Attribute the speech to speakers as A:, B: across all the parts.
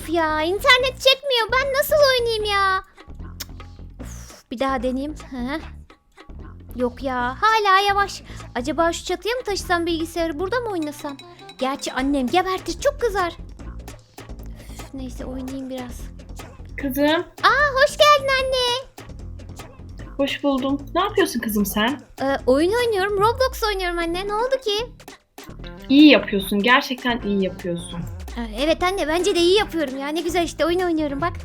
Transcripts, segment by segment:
A: Of ya, internet çekmiyor. Ben nasıl oynayayım ya? Of, bir daha deneyeyim. Hı. Yok ya, hala yavaş. Acaba şu çatıya mı taşısam bilgisayarı, burada mı oynasam? Gerçi annem gebertir, çok kızar. Üf, neyse oynayayım biraz.
B: Kızım,
A: Hoş geldin anne.
B: hoş buldum. Ne yapıyorsun kızım sen?
A: Oyun oynuyorum, Roblox oynuyorum anne. Ne oldu ki?
B: İyi yapıyorsun, gerçekten iyi yapıyorsun.
A: Evet anne, bence de iyi yapıyorum ya. Ne güzel işte, oyun oynuyorum bak.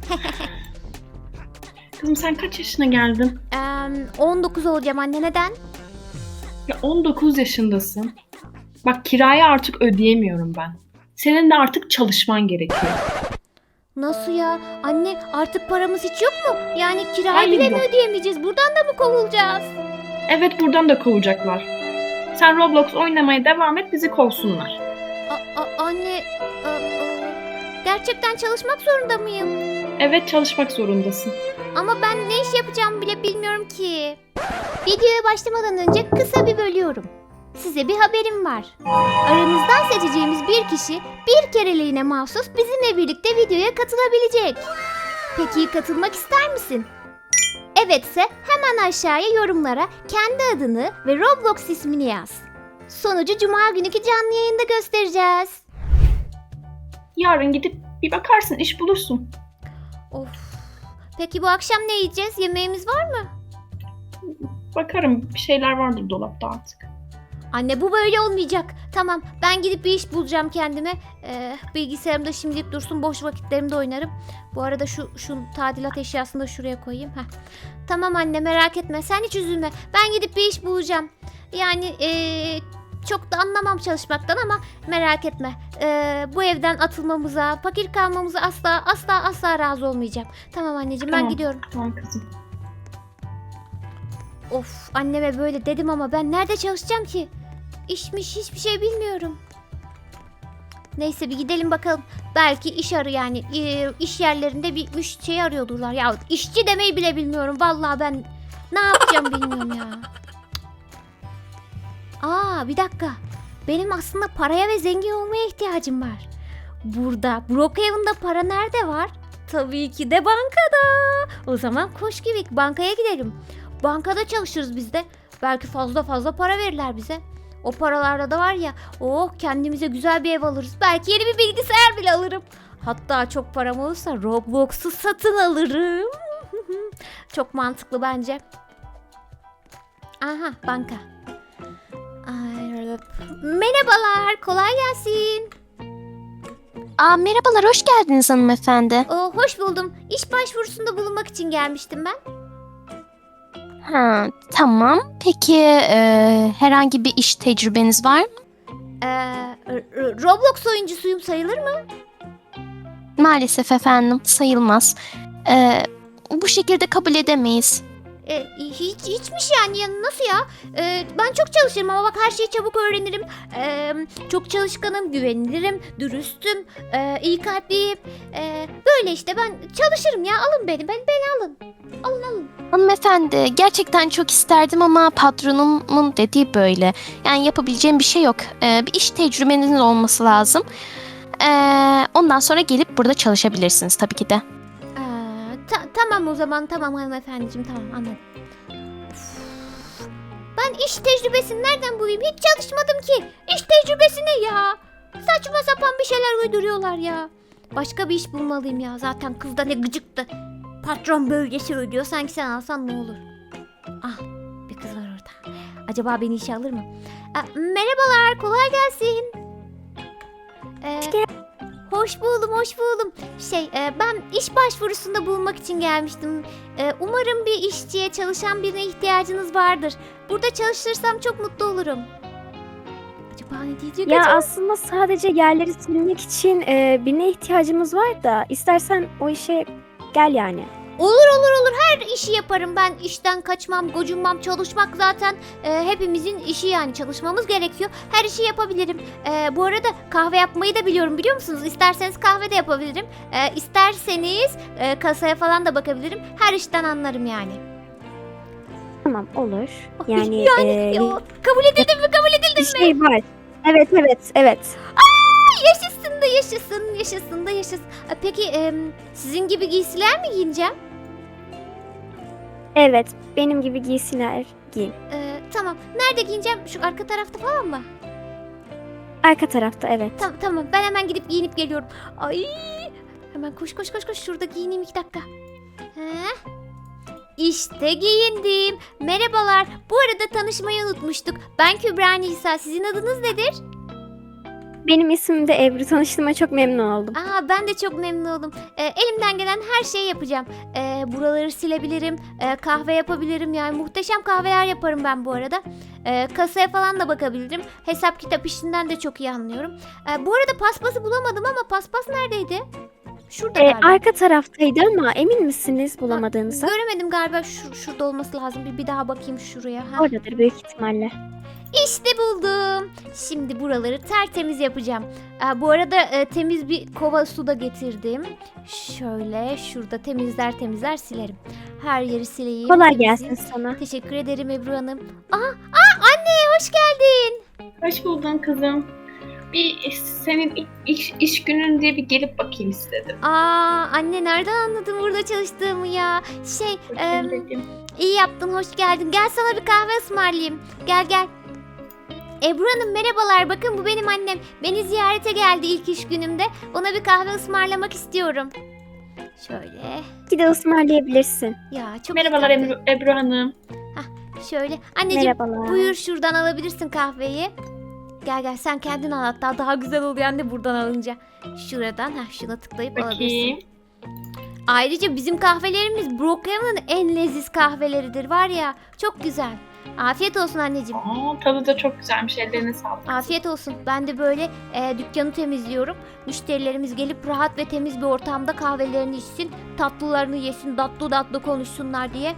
B: Kızım sen kaç yaşına geldin?
A: 19 olacağım anne, neden?
B: Ya 19 yaşındasın. Bak kirayı artık ödeyemiyorum ben. Senin de artık çalışman gerekiyor.
A: Nasıl ya? Anne artık paramız hiç yok mu? Yani kirayı
B: Hayır,
A: bile mi
B: yok.
A: ödeyemeyeceğiz? Buradan da mı kovulacağız?
B: Evet buradan da kovacaklar. Sen Roblox oynamaya devam et bizi kovsunlar.
A: Anne, gerçekten çalışmak zorunda mıyım?
B: Evet çalışmak zorundasın.
A: Ama ben ne iş yapacağımı bile bilmiyorum ki. Videoya başlamadan önce kısa bir bölüyorum. Size bir haberim var. Aranızdan seçeceğimiz bir kişi bir kereliğine mahsus bizimle birlikte videoya katılabilecek. Peki katılmak ister misin? Evetse hemen aşağıya yorumlara kendi adını ve Roblox ismini yaz. Sonucu cuma günkü canlı yayında göstereceğiz.
B: Yarın gidip bir bakarsın iş bulursun.
A: Of. Peki bu akşam ne yiyeceğiz? Yemeğimiz var mı?
B: Bakarım bir şeyler vardır dolapta artık.
A: Anne bu böyle olmayacak. Tamam, ben gidip bir iş bulacağım kendime. Bilgisayarımda şimdilik dursun, boş vakitlerimde oynarım. Bu arada şu tadilat eşyasını da şuraya koyayım. Heh. Tamam anne, merak etme, sen hiç üzülme. Ben gidip bir iş bulacağım. Yani çok da anlamam çalışmaktan ama merak etme. Bu evden atılmamıza, fakir kalmamıza asla razı olmayacağım. Tamam anneciğim, ben
B: Tamam.
A: gidiyorum.
B: Tamam kızım.
A: Of, anneme böyle dedim ama ben nerede çalışacağım ki? İşmiş, hiçbir şey bilmiyorum. Neyse bir gidelim bakalım. Belki iş yani iş yerlerinde bir şey arıyordurlar. Ya işçi demeyi bile bilmiyorum. Vallahi ben ne yapacağım bilmiyorum ya. Bir dakika. Benim aslında paraya ve zengin olmaya ihtiyacım var. Burada Brookhaven'da para nerede var? Tabii ki de bankada. O zaman koş gibi bankaya gidelim. Bankada çalışırız biz de. Belki fazla para verirler bize. O paralarda da var ya, kendimize güzel bir ev alırız. Belki yeni bir bilgisayar bile alırım. Hatta çok param olursa Roblox'u satın alırım. Çok mantıklı bence. Aha, banka. Merhabalar, kolay gelsin.
C: Merhabalar, hoş geldiniz hanımefendi.
A: Hoş buldum. İş başvurusunda bulunmak için gelmiştim ben.
C: Tamam. Peki herhangi bir iş tecrübeniz var mı?
A: Roblox oyuncusuyum, sayılır mı?
C: Maalesef efendim, sayılmaz. Bu şekilde kabul edemeyiz.
A: Hiçmiş yani ya, nasıl ya? Ben çok çalışırım ama bak her şeyi çabuk öğrenirim. Çok çalışkanım, güvenilirim, dürüstüm, iyi kalpliyim. Böyle işte ben çalışırım ya, alın beni alın. Alın.
C: Hanımefendi, gerçekten çok isterdim ama patronumun dediği böyle. Yani yapabileceğim bir şey yok. Bir iş tecrübenizin olması lazım. Ondan sonra gelip burada çalışabilirsiniz tabii ki de.
A: Tamam o zaman, tamam hanımefendiciğim, tamam anladım. Üf. Ben iş tecrübesini nereden bulayım? Hiç çalışmadım ki. İş tecrübesi ne ya? Saçma sapan bir şeyler uyduruyorlar ya. Başka bir iş bulmalıyım ya. Zaten kız da ne gıcıktı. Patron böyle söylüyor. Sanki sen alsan ne olur? Bir kız var orada. Acaba beni işe alır mı? Merhabalar, kolay gelsin. Hoş buldum. Ben iş başvurusunda bulunmak için gelmiştim. Umarım bir işçiye, çalışan birine ihtiyacınız vardır. Burada çalışırsam çok mutlu olurum. Acaba ne diyecek
D: Ya
A: acaba?
D: aslında sadece yerleri silmek için birine ihtiyacımız var da istersen o işe gel yani.
A: Olur. Her işi yaparım. Ben işten kaçmam, gocunmam. Çalışmak zaten hepimizin işi yani. Çalışmamız gerekiyor. Her işi yapabilirim. Bu arada kahve yapmayı da biliyorum, biliyor musunuz? İsterseniz kahve de yapabilirim. İsterseniz kasaya falan da bakabilirim. Her işten anlarım yani.
D: Tamam olur. Yani,
A: Kabul edildim mi?
D: bir şey var. Evet.
A: Yaşasın da yaşasın, yaşasın da yaşasın. Peki sizin gibi giysiler mi giyineceğim?
D: Evet, benim gibi giysiler giyin.
A: Tamam. Nerede giyineceğim? Şu arka tarafta falan mı?
D: Arka tarafta evet.
A: Tamam tamam. Ben hemen gidip giyinip geliyorum. Ay! Hemen koş koş koş koş. Şurada giyineyim 2 dakika. Heh. İşte giyindim. Merhabalar. Bu arada tanışmayı unutmuştuk. Ben Kübra Nisa. Sizin adınız nedir?
D: Benim ismim de Ebru. Tanıştığıma çok memnun oldum.
A: Ben de çok memnun oldum. Elimden gelen her şeyi yapacağım. Buraları silebilirim. Kahve yapabilirim. Yani muhteşem kahveler yaparım ben bu arada. Kasaya falan da bakabilirim. Hesap kitap işinden de çok iyi anlıyorum. Bu arada paspası bulamadım ama paspas neredeydi? Şurada galiba.
D: Arka taraftaydı ama emin misiniz bulamadığınıza?
A: Göremedim galiba. Şurada olması lazım. Bir daha bakayım şuraya. Ha.
D: Oradadır büyük ihtimalle.
A: İşte buldum. Şimdi buraları tertemiz yapacağım. Bu arada temiz bir kova su da getirdim. Şöyle şurada temizler silerim. Her yeri sileyim.
D: Kolay
A: temizleyeyim.
D: gelsin sana.
A: Teşekkür ederim Ebru Hanım. Anne hoş geldin.
B: Hoş buldun kızım. Bir senin iş günün diye bir gelip bakayım istedim.
A: Anne nereden anladın burada çalıştığımı ya?
B: Bakayım dedim.
A: İyi yaptın hoş geldin. Gel sana bir kahve ısmarlayayım. Gel. Ebru Hanım merhabalar. Bakın bu benim annem. Beni ziyarete geldi ilk iş günümde. Ona bir kahve ısmarlamak istiyorum. Şöyle.
D: Bir de ısmarlayabilirsin.
A: Ya çok
B: Merhabalar
A: iyi.
B: Ebru Hanım.
A: Şöyle. Anneciğim
D: Merhabalar.
A: buyur şuradan alabilirsin kahveyi. Gel sen kendin al hatta daha güzel oluyor anne buradan alınca. Şuradan şuna tıklayıp
B: Bakayım.
A: alabilirsin. Ayrıca bizim kahvelerimiz Brookhaven'ın en leziz kahveleridir var ya. Çok güzel. Afiyet olsun anneciğim.
B: Tadı da çok güzelmiş. Ellerine sağlık.
A: Afiyet olsun. Ben de böyle dükkanı temizliyorum. Müşterilerimiz gelip rahat ve temiz bir ortamda kahvelerini içsin. Tatlılarını yesin. Tatlı konuşsunlar diye.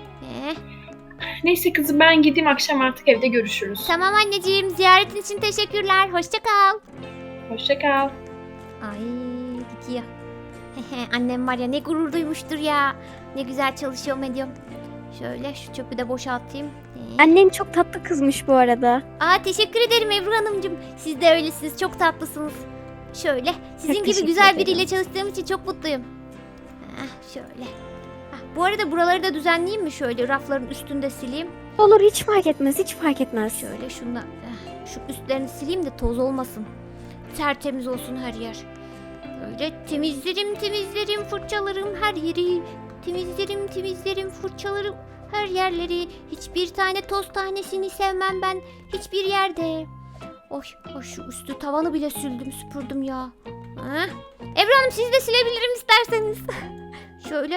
B: Neyse kızım ben gideyim, akşam artık evde görüşürüz.
A: Tamam anneciğim. Ziyaretin için teşekkürler. Hoşça kal.
B: Hoşça kal.
A: Ay gidiyor. Annem var ya ne gurur duymuştur ya. Ne güzel çalışıyorum ediyorum. Şöyle şu çöpü de boşaltayım.
D: Annen çok tatlı kızmış bu arada.
A: Teşekkür ederim Ebru Hanımcığım. Siz de öylesiniz. Çok tatlısınız. Şöyle. Sizin gibi
D: teşekkür
A: güzel
D: ederim.
A: biriyle çalıştığım için çok mutluyum. Şöyle. Bu arada buraları da düzenleyeyim mi? Şöyle rafların üstünde sileyim.
D: Olur hiç fark etmez, hiç fark etmez.
A: Şöyle şundan. Şu üstlerini sileyim de toz olmasın. Tertemiz olsun her yer. Böyle temizlerim, fırçalarım her yeri. Temizlerim, fırçalarım her yerleri. Hiçbir tane toz tanesini sevmem ben hiçbir yerde. Oy şu üstü tavanı bile süpürdüm ya. Ebru Hanım siz de silebilirim isterseniz. Şöyle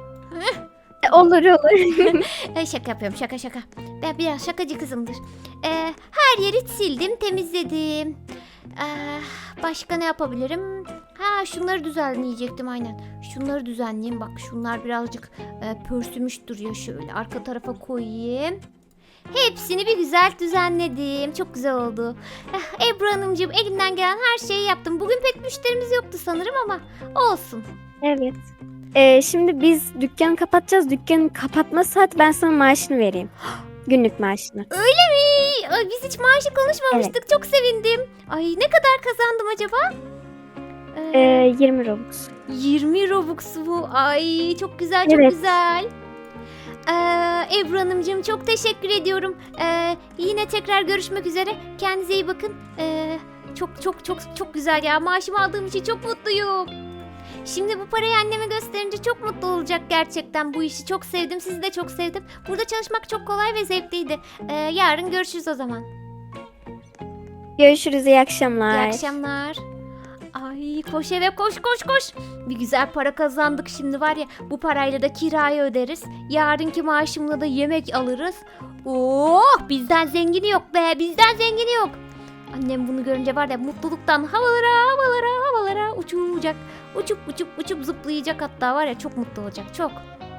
D: Olur.
A: Şaka yapıyorum şaka. Ben biraz şakacı kızımdır. Her yeri sildim temizledim. Başka ne yapabilirim? Şunları düzenleyecektim aynen. Şunları düzenleyeyim bak şunlar birazcık pörsümüş duruyor şöyle arka tarafa koyayım. Hepsini bir güzel düzenledim. Çok güzel oldu. Ebru Hanımcığım elimden gelen her şeyi yaptım. Bugün pek müşterimiz yoktu sanırım ama olsun.
D: Evet. Şimdi biz dükkanı kapatacağız. Dükkanın kapatma saati ben sana maaşını vereyim. Günlük maaşını.
A: Öyle mi? Biz hiç maaşı konuşmamıştık. Çok sevindim. Ay ne kadar kazandım acaba?
D: 20 Robux.
A: 20 Robux mu? Ay çok güzel
D: Evet.
A: güzel. Ebru Hanımcığım çok teşekkür ediyorum. Yine tekrar görüşmek üzere. Kendinize iyi bakın. Çok güzel ya. Maaşımı aldığım için çok mutluyum. Şimdi bu parayı anneme gösterince çok mutlu olacak gerçekten. Bu işi çok sevdim. Sizi de çok sevdim. Burada çalışmak çok kolay ve zevkliydi. Yarın görüşürüz o zaman.
D: Görüşürüz, iyi akşamlar.
A: İyi akşamlar. Ay koş eve koş. Bir güzel para kazandık şimdi var ya. Bu parayla da kirayı öderiz. Yarınki maaşımla da yemek alırız. Oh bizden zengini yok be. Bizden zengini yok. Annem bunu görünce var ya mutluluktan havalara uçacak. Uçup zıplayacak hatta var ya çok mutlu olacak çok.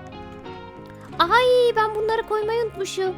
A: Ay ben bunları koymayı unutmuşum.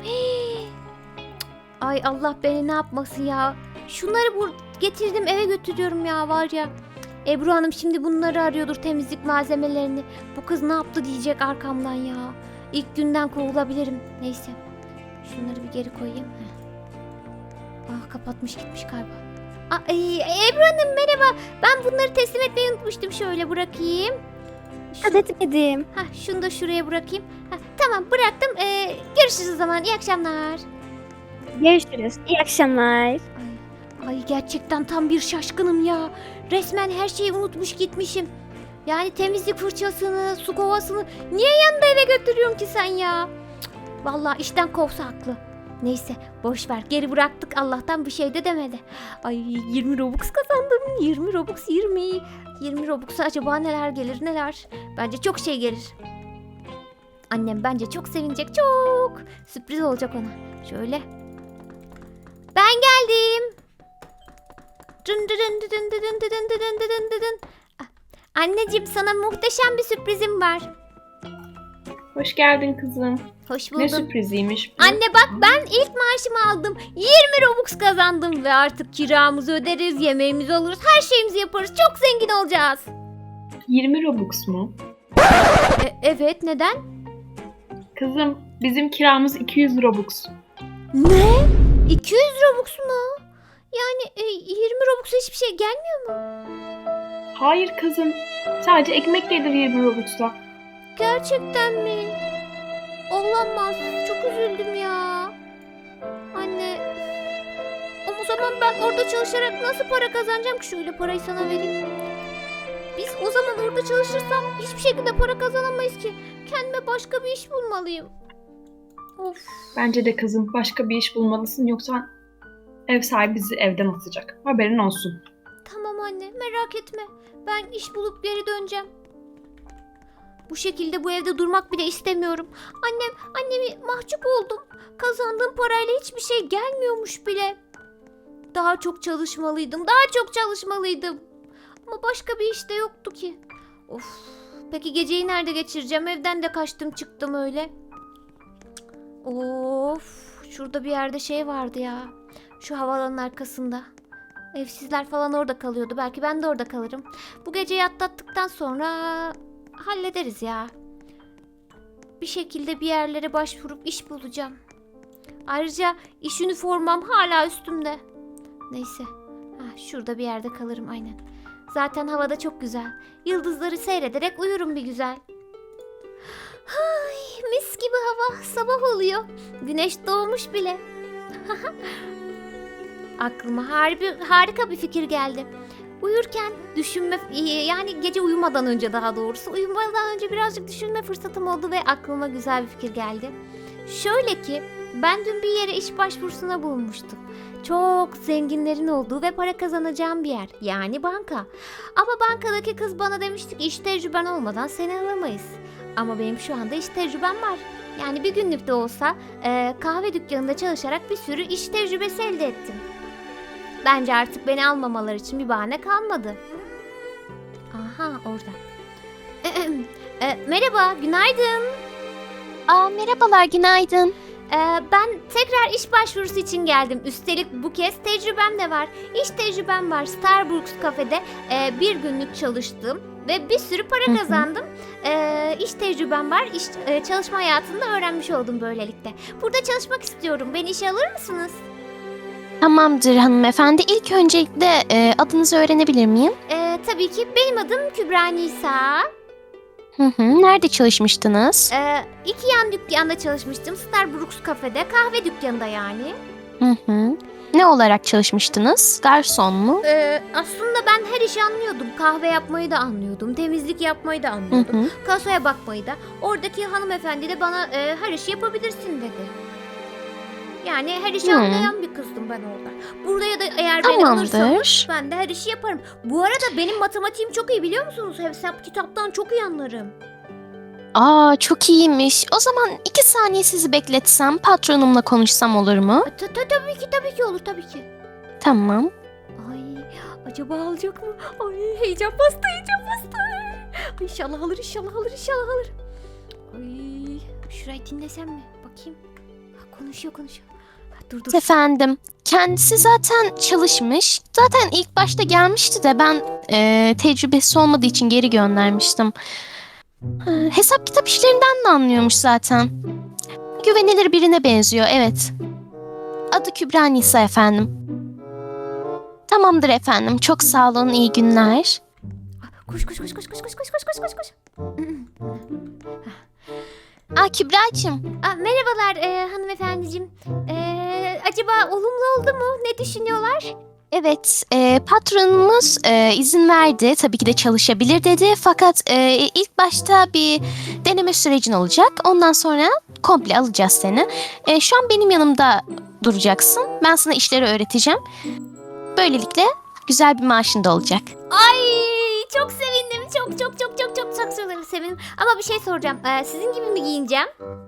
A: Ay Allah beni ne yapmasın ya. Şunları getirdim eve götürüyorum ya var ya. Ebru Hanım şimdi bunları arıyordur temizlik malzemelerini. Bu kız ne yaptı diyecek arkamdan ya. İlk günden kovulabilirim. Neyse. Şunları bir geri koyayım. Kapatmış gitmiş galiba. Ebru Hanım merhaba. Ben bunları teslim etmeyi unutmuştum. Şöyle bırakayım.
D: Hadi etmedim.
A: Şunu da şuraya bırakayım. Tamam bıraktım. Görüşürüz o zaman. İyi akşamlar.
D: Görüşürüz. İyi akşamlar.
A: Ay gerçekten tam bir şaşkınım ya. Resmen her şeyi unutmuş gitmişim. Yani temizlik fırçasını, su kovasını niye yanında eve götürüyorsun ki sen ya? Cık, vallahi işten kovsa haklı. Neyse boş ver, geri bıraktık, Allah'tan bir şey de demedi. Ay 20 Robux kazandım. 20 Robux 20. 20 Robux'a acaba neler gelir neler? Bence çok şey gelir. Annem bence çok sevinecek, çok. Sürpriz olacak ona. Şöyle. Ben geldim. Dın dın dın dın dın dın dın dın dın dın dın. Anneciğim sana muhteşem bir sürprizim var.
B: Hoş geldin kızım.
A: Hoş
B: Ne
A: buldum.
B: sürpriziymiş bu?
A: Anne bak ben ilk maaşımı aldım. 20 Robux kazandım ve artık kiramızı öderiz, yemeğimizi alırız, her şeyimizi yaparız. Çok zengin olacağız.
B: 20 Robux mu?
A: Evet neden?
B: Kızım bizim kiramız 200 Robux.
A: Ne? 200 Robux mu? Yani 20 Robux'a hiçbir şey gelmiyor mu?
B: Hayır kızım. Sadece ekmek gelir 20 Robux'la.
A: Gerçekten mi? Olamaz. Çok üzüldüm ya. Anne. Ama o zaman ben orada çalışarak nasıl para kazanacağım ki? Şöyle parayı sana vereyim. Biz o zaman orada çalışırsam hiçbir şekilde para kazanamayız ki. Kendime başka bir iş bulmalıyım. Of.
B: Bence de kızım başka bir iş bulmalısın yoksa ev sahibi bizi evden atacak. Haberin olsun.
A: Tamam anne, merak etme. Ben iş bulup geri döneceğim. Bu şekilde bu evde durmak bile istemiyorum. Annemi mahcup oldum. Kazandığım parayla hiçbir şey gelmiyormuş bile. Daha çok çalışmalıydım. Ama başka bir iş de yoktu ki. Of. Peki geceyi nerede geçireceğim? Evden de kaçtım çıktım öyle. Of. Şurada bir yerde şey vardı ya. Şu havalanın arkasında. Evsizler falan orada kalıyordu. Belki ben de orada kalırım. Bu geceyi atlattıktan sonra hallederiz ya. Bir şekilde bir yerlere başvurup iş bulacağım. Ayrıca iş üniformam hala üstümde. Neyse. Şurada bir yerde kalırım aynen. Zaten havada çok güzel. Yıldızları seyrederek uyurum bir güzel. Ay, mis gibi hava. Sabah oluyor. Güneş doğmuş bile. Aklıma harika bir fikir geldi. Uyurken yani gece uyumadan önce daha doğrusu uyumadan önce birazcık düşünme fırsatım oldu ve aklıma güzel bir fikir geldi. Şöyle ki ben dün bir yere iş başvurusuna bulunmuştum. Çok zenginlerin olduğu ve para kazanacağım bir yer. Yani banka. Ama bankadaki kız bana demişti ki iş tecrüben olmadan seni alamayız. Ama benim şu anda iş tecrübem var. Yani bir günlük de olsa kahve dükkanında çalışarak bir sürü iş tecrübesi elde ettim. Bence artık beni almamaları için bir bahane kalmadı. Aha orada. Merhaba, günaydın.
C: Merhabalar, günaydın.
A: Ben tekrar iş başvurusu için geldim. Üstelik bu kez tecrübem de var. İş tecrübem var. Starbucks kafede bir günlük çalıştım ve bir sürü para kazandım. İş tecrübem var. Çalışma hayatında öğrenmiş oldum böylelikle. Burada çalışmak istiyorum. Beni işe alır mısınız?
C: Tamamdır hanımefendi. İlk öncelikle adınızı öğrenebilir miyim?
A: Tabii ki. Benim adım Kübra Nisa.
C: Nerede çalışmıştınız?
A: 2 yan dükkanda çalışmıştım. Starbucks kafede, kahve dükkanında yani.
C: Ne olarak çalışmıştınız? Garson mu?
A: Aslında ben her işi anlıyordum. Kahve yapmayı da anlıyordum. Temizlik yapmayı da anlıyordum. Kasaya bakmayı da. Oradaki hanımefendi de bana her işi yapabilirsin dedi. Yani her işi anlayan bir kızdım ben orada. Buraya da eğer beni alırsanız ben de her işi yaparım. Bu arada benim matematiğim çok iyi biliyor musunuz? Hesap kitaptan çok iyi anlarım.
C: Çok iyiymiş. O zaman 2 saniye sizi bekletsem, patronumla konuşsam olur mu?
A: Tabii ki olur tabii ki.
C: Tamam.
A: Ay acaba alacak mı? Ay heyecan bastı. Ay, İnşallah alır. Ay şurayı dinlesem mi? Bakayım. Konuşuyor. Dur.
C: Efendim, kendisi zaten çalışmış. Zaten ilk başta gelmişti de ben tecrübesi olmadığı için geri göndermiştim. Hesap kitap işlerinden de anlıyormuş zaten. Güvenilir birine benziyor, evet. Adı Kübra Nisa efendim. Tamamdır efendim. Çok sağ olun. İyi günler.
A: Koş koş koş koş koş koş koş koş koş koş koş.
C: Kübra'cığım.
A: Merhabalar hanımefendiciğim. Acaba olumlu oldu mu? Ne düşünüyorlar?
C: Evet, patronumuz izin verdi. Tabii ki de çalışabilir dedi. Fakat ilk başta bir deneme sürecin olacak. Ondan sonra komple alacağız seni. Şu an benim yanımda duracaksın. Ben sana işleri öğreteceğim. Böylelikle güzel bir maaşın da olacak.
A: Ay çok sevindim. Çok sevindim. Ama bir şey soracağım. Sizin gibi mi giyineceğim?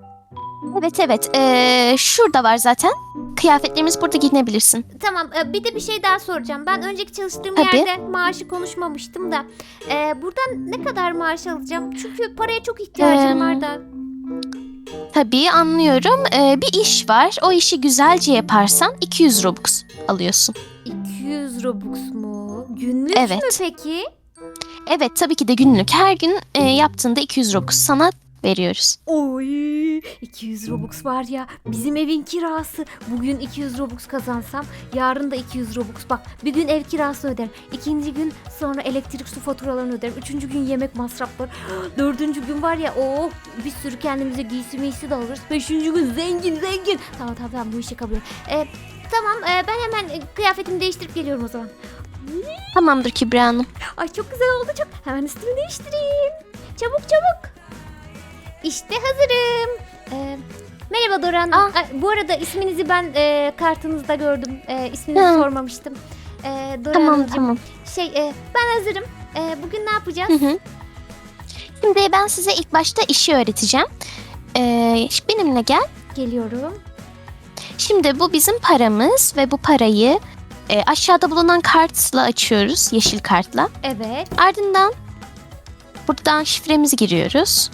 C: Evet. Şurada var zaten. Kıyafetlerimiz burada giyinebilirsin.
A: Tamam. Bir de bir şey daha soracağım. Ben önceki çalıştığım
C: Tabii.
A: yerde maaşı konuşmamıştım da. Buradan ne kadar maaş alacağım? Çünkü paraya çok ihtiyacım var da.
C: Tabii anlıyorum. Bir iş var. O işi güzelce yaparsan 200 Robux alıyorsun.
A: 200 Robux mu? Günlük
C: Evet.
A: mü peki?
C: Evet, tabii ki de günlük. Her gün yaptığında 200 Robux sana veriyoruz.
A: Oy 200 Robux var ya, bizim evin kirası. Bugün 200 Robux kazansam yarın da 200 Robux. Bak, bir gün ev kirası öderim. İkinci gün sonra elektrik su faturalarını öderim. Üçüncü gün yemek masrafları. Dördüncü gün var ya, bir sürü kendimize giysi miysi de alırız. Beşinci gün zengin. Tamam bu işi kabul et. Tamam, ben hemen kıyafetimi değiştirip geliyorum o zaman.
C: Tamamdır Kübra Hanım.
A: Ay çok güzel oldu çok. Hemen üstümü değiştireyim. Çabuk. İşte hazırım. Merhaba Dora Hanım. Ay, bu arada isminizi ben kartınızda gördüm. İsminizi sormamıştım. Dora Hanımcığım.
C: Tamam.
A: Ben hazırım. Bugün ne yapacağız?
C: Hı. Şimdi ben size ilk başta işi öğreteceğim. Benimle gel.
A: Geliyorum.
C: Şimdi bu bizim paramız ve bu parayı aşağıda bulunan kartla açıyoruz. Yeşil kartla.
A: Evet.
C: Ardından buradan şifremizi giriyoruz.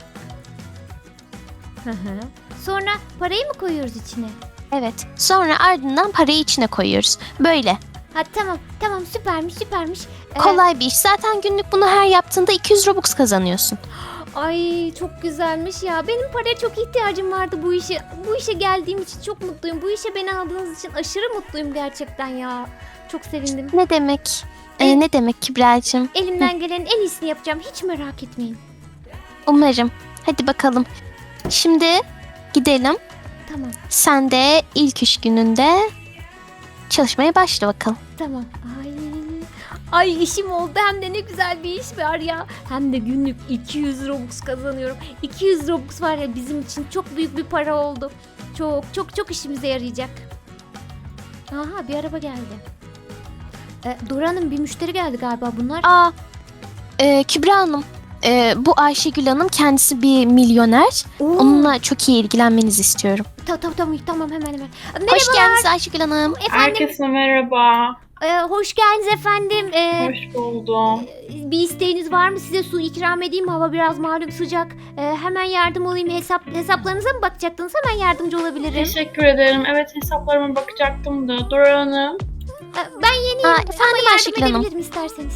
A: Sonra parayı mı koyuyoruz içine?
C: Evet. Sonra ardından parayı içine koyuyoruz. Böyle.
A: Ha tamam süpermiş.
C: Kolay bir iş. Zaten günlük bunu her yaptığında 200 Robux kazanıyorsun.
A: Ay çok güzelmiş ya. Benim paraya çok ihtiyacım vardı bu işe. Bu işe geldiğim için çok mutluyum. Bu işe beni aldığınız için aşırı mutluyum gerçekten ya. Çok sevindim.
C: Ne demek? Ne demek Kübra'cığım?
A: Elimden gelenin en iyisini yapacağım. Hiç merak etmeyin.
C: Umarım. Hadi bakalım. Şimdi gidelim.
A: Tamam.
C: Sen de ilk iş gününde çalışmaya başla bakalım.
A: Tamam. Ay işim oldu, hem de ne güzel bir iş var ya. Hem de günlük 200 Robux kazanıyorum. 200 Robux var ya, bizim için çok büyük bir para oldu. Çok işimize yarayacak. Aha, bir araba geldi. Dora Hanım, bir müşteri geldi galiba bunlar.
C: Kübra Hanım, bu Ayşegül Hanım kendisi bir milyoner. Onunla çok iyi ilgilenmenizi istiyorum.
A: Tamam hemen.
C: Hoş geldiniz Ayşegül Hanım.
A: Efendim,
B: Herkese merhaba.
A: hoş geldiniz efendim.
B: Hoş buldum.
A: Bir isteğiniz var mı? Size su ikram edeyim mi? Hava biraz malum sıcak. Hemen yardım olayım. Hesaplarınıza mı bakacaktınız? Hemen yardımcı olabilirim.
B: Teşekkür ederim. Evet, hesaplarıma bakacaktım da. Dora Hanım.
A: Ben yeniyim
C: Efendim
A: ama yardım
C: Ayşegül Hanım.
A: edebilirim isterseniz.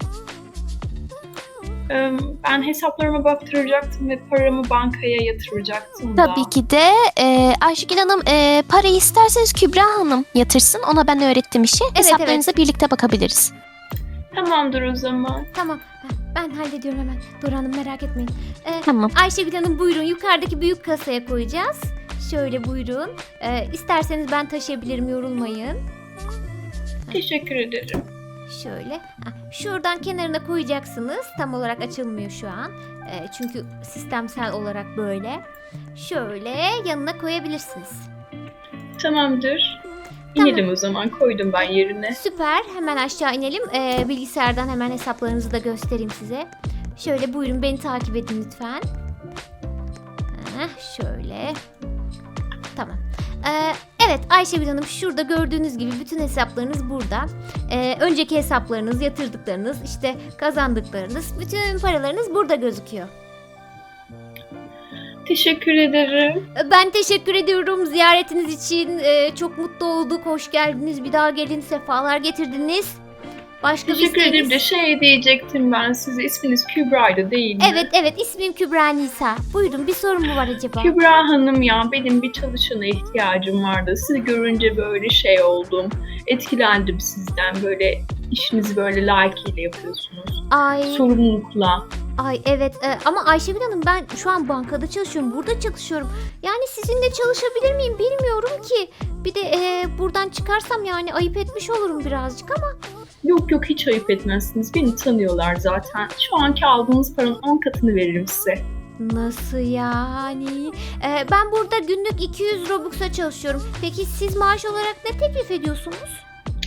B: Ben hesaplarıma baktıracaktım ve paramı bankaya yatıracaktım da.
C: Tabii ki de Ayşegül Hanım parayı isterseniz Kübra Hanım yatırsın. Ona ben öğrettim işi. Hesaplarınıza birlikte bakabiliriz.
B: Tamamdır o zaman.
A: Tamam. Ben hallediyorum hemen. Dora Hanım, merak etmeyin.
C: Tamam.
A: Ayşegül Hanım, buyurun. Yukarıdaki büyük kasaya koyacağız. Şöyle buyurun. İsterseniz ben taşıyabilirim, yorulmayın.
B: Teşekkür ederim.
A: Şöyle. Şuradan kenarına koyacaksınız. Tam olarak açılmıyor şu an. Çünkü sistemsel olarak böyle. Şöyle yanına koyabilirsiniz.
B: Tamamdır.
A: Tamam.
B: İnelim o zaman. Koydum ben yerine.
A: Süper. Hemen aşağı inelim. Bilgisayardan hemen hesaplarınızı da göstereyim size. Şöyle buyurun, beni takip edin lütfen. Şöyle. Tamam. Evet Ayşegül Hanım, şurada gördüğünüz gibi bütün hesaplarınız burada. Önceki hesaplarınız, yatırdıklarınız, işte kazandıklarınız, bütün paralarınız burada gözüküyor.
B: Teşekkür ederim.
A: Ben teşekkür ediyorum ziyaretiniz için. Çok mutlu olduk. Hoş geldiniz. Bir daha gelin. Sefalar getirdiniz. Başka bir
B: Teşekkür ederim de
A: isteğiniz?
B: diyecektim ben size. İsminiz Kübra'ydı değil mi?
A: Evet ismim Kübra Nisa. Buyurun bir sorun mu var acaba?
B: Kübra Hanım ya benim bir çalışana ihtiyacım vardı. Sizi görünce böyle şey oldum. Etkilendim sizden. Böyle işinizi böyle layıkıyla yapıyorsunuz.
A: Ay
B: Sorumlulukla.
A: evet ama Ayşegül Hanım ben şu an bankada çalışıyorum. Burada çalışıyorum. Yani sizinle çalışabilir miyim bilmiyorum ki. Bir de buradan çıkarsam yani ayıp etmiş olurum birazcık ama.
B: Yok hiç ayıp etmezsiniz. Beni tanıyorlar zaten. Şu anki aldığınız paranın 10 katını veririm size.
A: Nasıl yani? Ben burada günlük 200 Robux'a çalışıyorum. Peki siz maaş olarak ne teklif ediyorsunuz?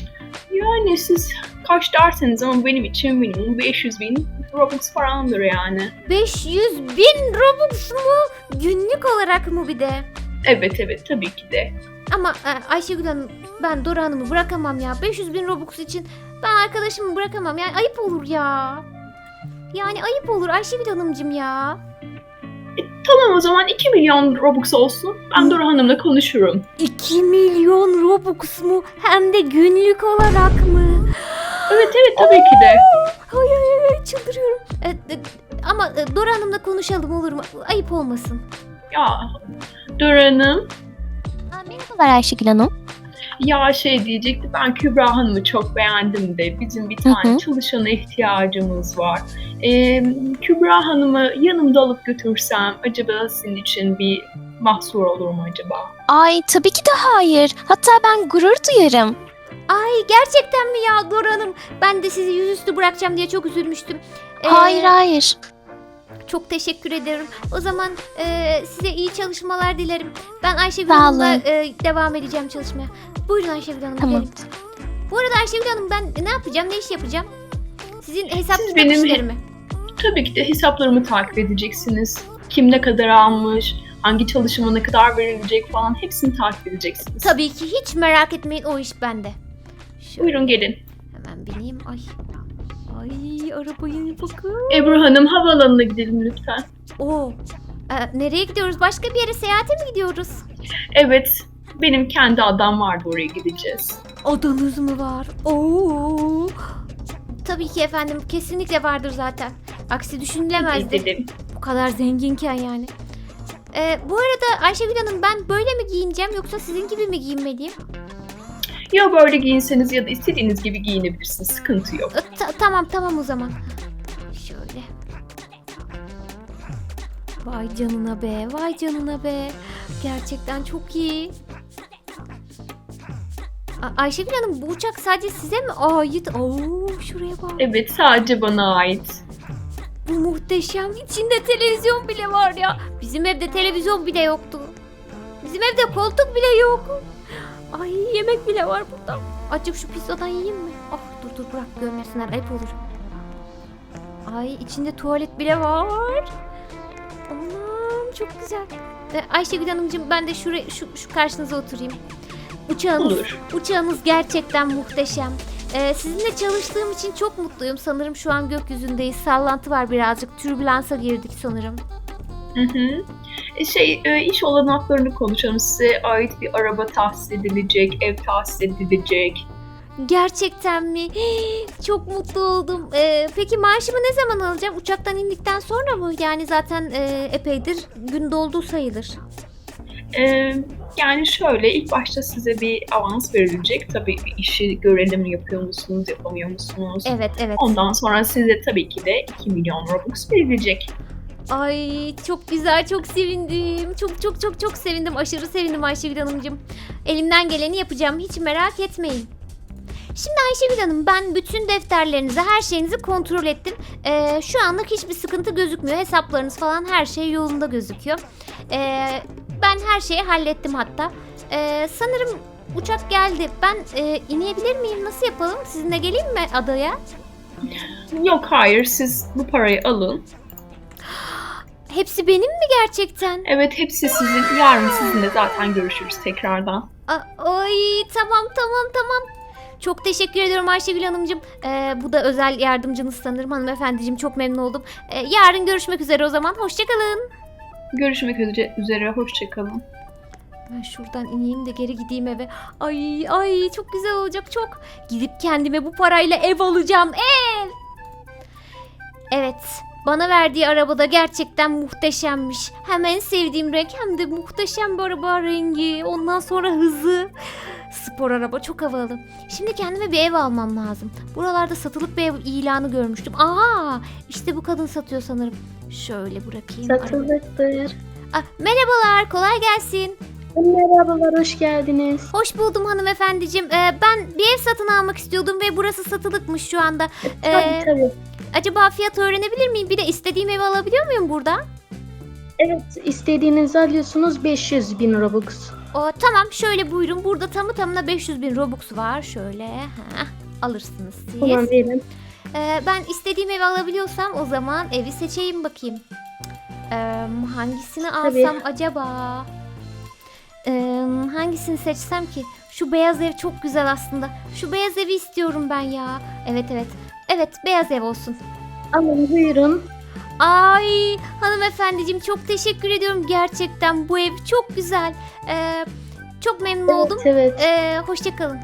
B: Yani siz kaç derseniz ama benim için minimum 500.000 Robux falandır yani.
A: 500.000 Robux mu? Günlük olarak mı bir de?
B: Evet tabii ki de.
A: Ama Ayşegül Hanım ben Dora Hanım'ı bırakamam ya. 500.000 Robux için ben arkadaşımı bırakamam. Yani ayıp olur ya. Yani ayıp olur Ayşegül Hanımcığım ya.
B: Tamam o zaman 2 milyon Robux olsun. Ben Dora Hanım'la konuşurum.
A: 2 milyon Robux mu? Hem de günlük olarak mı?
B: Evet tabii ki de.
A: Ay çıldırıyorum. Ama Dora Hanım'la konuşalım olur mu? Ayıp olmasın.
B: Ya Dora Hanım.
C: Merhabalar Ayşegül Hanım.
B: Ya diyecekti ben Kübra Hanım'ı çok beğendim de bizim bir tane çalışana ihtiyacımız var. Kübra Hanım'ı yanımda alıp götürsem acaba sizin için bir mahsur olur mu acaba?
C: Ay tabii ki de hayır. Hatta ben gurur duyarım.
A: Ay gerçekten mi ya Dora Hanım? Ben de sizi yüzüstü bırakacağım diye çok üzülmüştüm.
C: Hayır.
A: Çok teşekkür ederim. O zaman size iyi çalışmalar dilerim. Ben Ayşegül
C: Sağ
A: Hanım'la
C: olun.
A: devam edeceğim çalışmaya. Buyurun Ayşegül Hanım
C: Tamam.
A: gidelim. Bu arada Ayşegül Hanım ben ne yapacağım, ne iş yapacağım? Sizin hesap
B: Siz
A: kitap
B: benim-
A: işlerimi.
B: Tabii ki de hesaplarımı takip edeceksiniz. Kim ne kadar almış, hangi çalışıma ne kadar verilecek falan hepsini takip edeceksiniz.
A: Tabii ki hiç merak etmeyin o iş bende. Şöyle
B: Buyurun gelin.
A: hemen bineyim. Ay arabaya bakın.
B: Ebru Hanım havaalanına gidelim lütfen.
A: Oo. Nereye gidiyoruz? Başka bir yere seyahate mi gidiyoruz?
B: Evet, benim kendi adam vardı oraya gideceğiz.
A: Odanız mı var? Oo. Tabii ki efendim. Kesinlikle vardır zaten. Aksi düşünülemezdi.
B: Gidelim.
A: Bu kadar zenginken yani. Bu arada Ayşegül Hanım ben böyle mi giyineceğim yoksa sizin gibi mi giyinmeliyim?
B: Ya böyle giyinseniz ya da istediğiniz gibi giyinebilirsiniz. Sıkıntı yok.
A: Tamam o zaman. Şöyle. Vay canına be. Gerçekten çok iyi. Ayşegül Hanım bu uçak sadece size mi ait? Oo, şuraya bak.
B: Evet, sadece bana ait.
A: Bu muhteşem. İçinde televizyon bile var ya. Bizim evde televizyon bile yoktu. Bizim evde koltuk bile yok. Ay yemek bile var burada. Azıcık şu pizzadan yiyeyim mi? Ah dur bırak görmesinler ayıp olur. Ay içinde tuvalet bile var. Aman çok güzel. Ayşegül Hanımcığım ben de şu karşınıza oturayım.
B: Olur.
A: Uçağınız gerçekten muhteşem. Sizinle çalıştığım için çok mutluyum. Sanırım şu an gökyüzündeyiz. Sallantı var birazcık. Türbülansa girdik sanırım.
B: Hı. İş olanaklarını konuşalım. Size ait bir araba tahsis edilecek, ev tahsis edilecek.
A: Gerçekten mi? Çok mutlu oldum. Peki maaşımı ne zaman alacağım? Uçaktan indikten sonra mı? Yani zaten epeydir gün doldu sayılır.
B: Yani şöyle ilk başta size bir avans verilecek. Tabii işi görelim yapıyor musunuz, yapamıyor musunuz?
A: Evet.
B: Ondan sonra size tabii ki de 2 milyon Robux verilecek.
A: Ay çok güzel, çok sevindim. Çok sevindim. Aşırı sevindim Ayşegül Hanımcığım. Elimden geleni yapacağım. Hiç merak etmeyin. Şimdi Ayşegül Hanım ben bütün defterlerinizi, her şeyinizi kontrol ettim. Şu anlık hiçbir sıkıntı gözükmüyor. Hesaplarınız falan her şey yolunda gözüküyor. Ben her şeyi hallettim hatta. Sanırım uçak geldi. Ben inebilir miyim? Nasıl yapalım? Sizinle geleyim mi adaya?
B: Yok hayır siz bu parayı alın.
A: Hepsi benim mi gerçekten?
B: Evet hepsi sizin. Yarın sizinle zaten görüşürüz tekrardan.
A: Ay tamam. Çok teşekkür ediyorum Ayşegül Hanımcığım. Bu da özel yardımcınız sanırım hanımefendiciğim. Çok memnun oldum. Yarın görüşmek üzere o zaman. Hoşçakalın.
B: Görüşmek üzere. Hoşça kalın.
A: Ben şuradan ineyim de geri gideyim eve. Ay çok güzel olacak çok. Gidip kendime bu parayla ev alacağım. Ev. Evet. Bana verdiği arabada gerçekten muhteşemmiş. Hem en sevdiğim renk hem de muhteşem bir araba rengi. Ondan sonra hızı. Spor araba çok havalı. Şimdi kendime bir ev almam lazım. Buralarda satılık bir ev ilanı görmüştüm. Aa, işte bu kadın satıyor sanırım. Şöyle bırakayım.
D: Satılıktır.
A: Merhabalar, kolay gelsin.
D: Merhabalar, hoş geldiniz.
A: Hoş buldum hanımefendiciğim. Ben bir ev satın almak istiyordum ve burası satılıkmış şu anda.
D: Tabii.
A: Acaba fiyat öğrenebilir miyim? Bir de istediğim evi alabiliyor muyum burada?
E: Evet, istediğinizi alıyorsunuz 500.000 Robux.
A: Tamam, şöyle buyurun. Burada tamı tamına 500.000 Robux var. Şöyle alırsınız siz.
E: Tamam verin.
A: Ben istediğim evi alabiliyorsam o zaman evi seçeyim bakayım. Hangisini
E: Tabii.
A: alsam acaba? Hangisini seçsem ki? Şu beyaz ev çok güzel aslında. Şu beyaz evi istiyorum ben ya. Evet. Evet, beyaz ev olsun.
E: Alın buyurun.
A: Ay hanımefendiciğim çok teşekkür ediyorum. Gerçekten bu ev çok güzel. Çok memnun oldum.
E: Evet.
A: Hoşça kalın.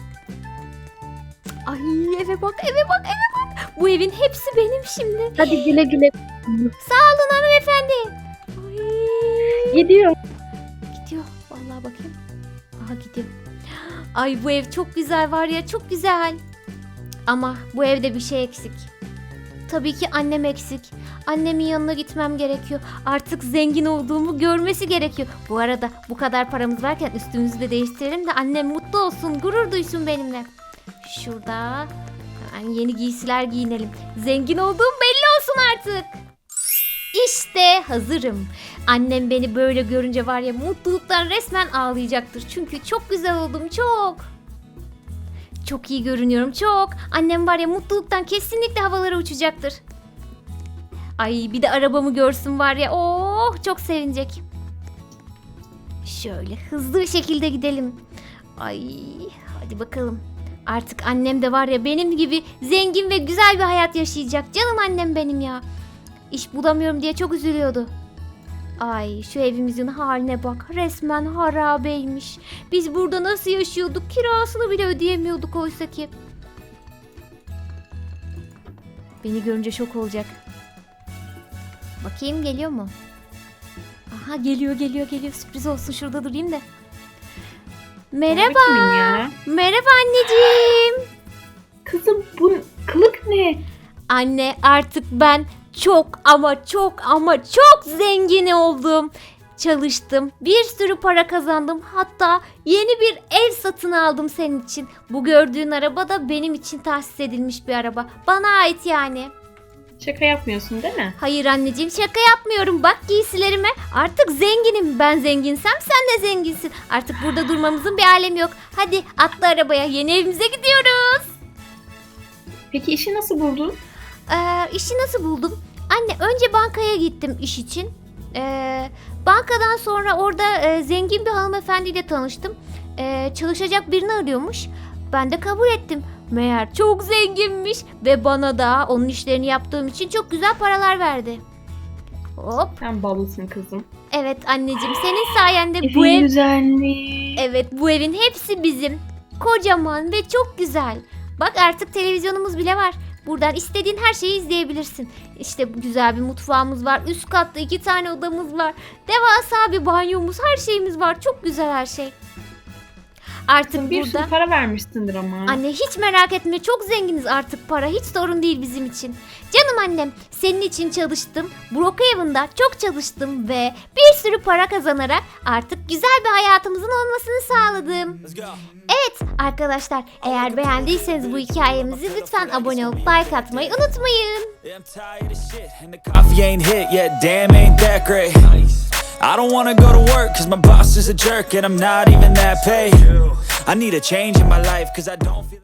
A: Ay eve bak. Bu evin hepsi benim şimdi.
E: Hadi güle güle.
A: Sağ olun hanımefendi. Ay.
E: Gidiyor.
A: Gidiyor. Vallahi bakayım. Aha gidiyor. Ay bu ev çok güzel var ya, çok güzel. Ama bu evde bir şey eksik. Tabii ki annem eksik. Annemin yanına gitmem gerekiyor. Artık zengin olduğumu görmesi gerekiyor. Bu arada bu kadar paramız varken üstümüzü de değiştirelim de annem mutlu olsun, gurur duysun benimle. Şurada hemen yeni giysiler giyinelim. Zengin olduğum belli olsun artık. İşte hazırım. Annem beni böyle görünce var ya mutluluktan resmen ağlayacaktır. Çünkü çok güzel oldum, çok. Çok iyi görünüyorum, çok. Annem var ya mutluluktan kesinlikle havalara uçacaktır. Ay bir de arabamı görsün var ya. Oh çok sevinecek. Şöyle hızlı bir şekilde gidelim. Ay hadi bakalım. Artık annem de var ya benim gibi zengin ve güzel bir hayat yaşayacak. Canım annem benim ya. İş bulamıyorum diye çok üzülüyordu. Ay şu evimizin haline bak. Resmen harabeymiş. Biz burada nasıl yaşıyorduk? Kirasını bile ödeyemiyorduk oysa ki. Beni görünce şok olacak. Bakayım geliyor mu? Aha geliyor. Sürpriz olsun, şurada durayım da. Merhaba.
B: Kimin ya?
A: Merhaba anneciğim.
B: Kızım bu kılık ne?
A: Anne artık ben çok ama çok zengin oldum. Çalıştım. Bir sürü para kazandım. Hatta yeni bir ev satın aldım senin için. Bu gördüğün araba da benim için tahsis edilmiş bir araba. Bana ait yani.
B: Şaka yapmıyorsun değil mi?
A: Hayır anneciğim, şaka yapmıyorum. Bak giysilerime. Artık zenginim. Ben zenginsem sen de zenginsin. Artık burada durmamızın bir alemi yok. Hadi atla arabaya. Yeni evimize gidiyoruz.
B: Peki işi nasıl buldun?
A: İşi nasıl buldum? Anne önce bankaya gittim iş için. Bankadan sonra orada zengin bir hanımefendiyle tanıştım. Çalışacak birini arıyormuş. Ben de kabul ettim. Meğer çok zenginmiş ve bana da onun işlerini yaptığım için çok güzel paralar verdi. Hop.
B: Sen balısın kızım.
A: Evet anneciğim, senin sayende bu
B: Evin
A: ev...
B: güzelliği.
A: Evet, bu evin hepsi bizim. Kocaman ve çok güzel. Bak artık televizyonumuz bile var. Buradan istediğin her şeyi izleyebilirsin. İşte güzel bir mutfağımız var. Üst katta 2 tane odamız var. Devasa bir banyomuz, her şeyimiz var. Çok güzel her şey. Artık
B: Bir
A: burada...
B: sürü para vermişsindir ama.
A: Anne hiç merak etme, çok zenginiz artık, para hiç sorun değil bizim için. Canım annem, senin için çalıştım. Brookhaven'da çok çalıştım ve bir sürü para kazanarak artık güzel bir hayatımızın olmasını sağladım. Evet arkadaşlar, eğer beğendiyseniz bu hikayemizi lütfen abone olup like atmayı unutmayın.
F: Coffee ain't hit yet, damn ain't that great. I don't wanna go to work cause my boss is a jerk and I'm not even that paid. I need a change in my life cause I don't feel